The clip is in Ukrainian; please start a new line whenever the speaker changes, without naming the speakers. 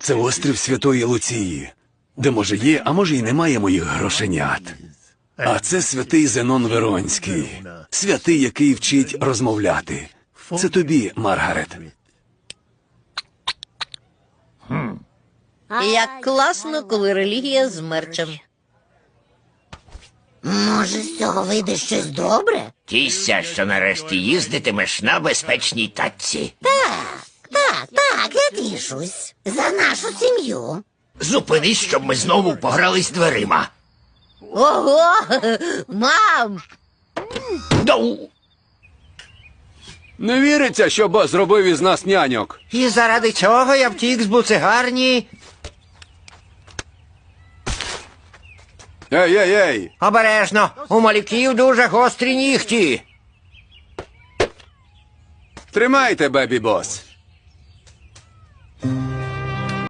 Це острів Святої Луції, де може є, а може й немає моїх грошенят. А це святий Зенон Веронський, святий, який вчить розмовляти. Це тобі, Маргарет.
Як класно, коли релігія з мерчем.
Може, з цього вийде щось добре?
Тісся, що нарешті їздитимеш на безпечній тачці.
Так, я тішусь. За нашу сім'ю.
Зупинись, щоб ми знову погрались дверима.
Ого! Мам!
Доу!
Не віриться, що бос зробив із нас няньок.
І заради цього я втік з буцегарні.
Ей!
Обережно, у малюків дуже гострі нігті.
Тримайте, бебі-бос.